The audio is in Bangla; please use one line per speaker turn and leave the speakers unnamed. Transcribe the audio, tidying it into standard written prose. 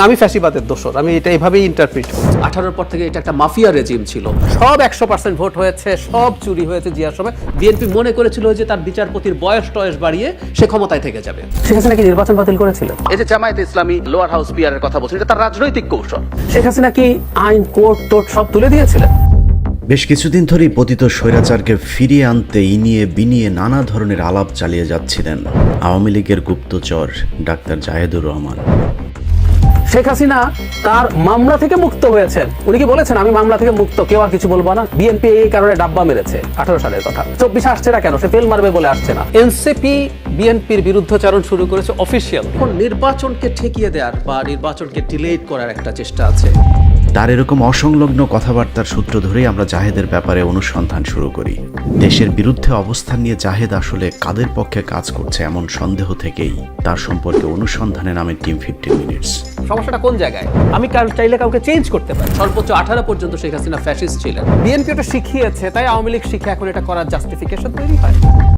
আমি ফ্যাসিবাদের দোষর, আমি এটা এভাবেই ইন্টারপ্রিট করি।
18 পর থেকে এটা একটা মাফিয়া রেজিম ছিল।
সব 100% ভোট হয়েছে, সব চুরি হয়েছে জিয়ার সময়।
বিএনপি মনে করেছিল যে তার বিচারপতির বয়স টয়স বাড়িয়ে সে ক্ষমতায় থেকে যাবে।
শেখ হাসিনা কি নির্বাচন বাতিল করেছিল?
এই যে জামায়াতে ইসলামী লোয়ার হাউস পিয়ারের কথা বলছেন, এটা তার রাজনৈতিক কৌশল।
শেখ হাসিনা কি আইন কোর্ট টোট সব তুলে দিয়েছিলেন?
বেশ কিছুদিন ধরেই পতিত স্বৈরাচারকে ফিরিয়ে আনতে ইনিয়ে বিনিয়ে নানা ধরনের আলাপ চালিয়ে যাচ্ছিলেন আওয়ামী লীগের গুপ্তচর ডাক্তার জাহেদুর রহমান।
শেখ হাসিনা তার মামলা থেকে মুক্ত হয়েছেন। উনি কি বলেছেন আমি মামলা থেকে মুক্ত, কেউ আর কিছু বলবো না? বিএনপি এই কারণে ডাব্বা মেরেছে 18 সালের কথা। 24 আসছে না কেন? সে ফেল মারবে বলে আসছে না। এনসিপি বিএনপির বিরুদ্ধাচরণ শুরু করেছে অফিসিয়াল।
এখন নির্বাচনকে ঠেকিয়ে দেওয়ার বা নির্বাচনকে ডিলেট করার একটা চেষ্টা আছে।
তার এরকম অসংলগ্ন কথাবার্তার সূত্র ধরেই আমরা জাহেদের ব্যাপারে অনুসন্ধান শুরু করি। দেশের বিরুদ্ধে অবস্থান নিয়ে জাহেদ আসলে কাদের পক্ষে কাজ করছে এমন সন্দেহ থেকেই তার সম্পর্কে অনুসন্ধানে নামে টিম 15 মিনিটস।
সমস্যাটা কোন জায়গায়? আমি চাইলে কাউকে চেঞ্জ করতে পারি।
সর্বোচ্চ 18 পর্যন্ত শেখ হাসিনা ফ্যাসিস্ট ছিলেন।
বিএনপি ওটা শিখিয়েছে, তাই আওয়ামী লীগ শিখে এখন এটা করার জাস্টিফিকেশন তৈরি হয়।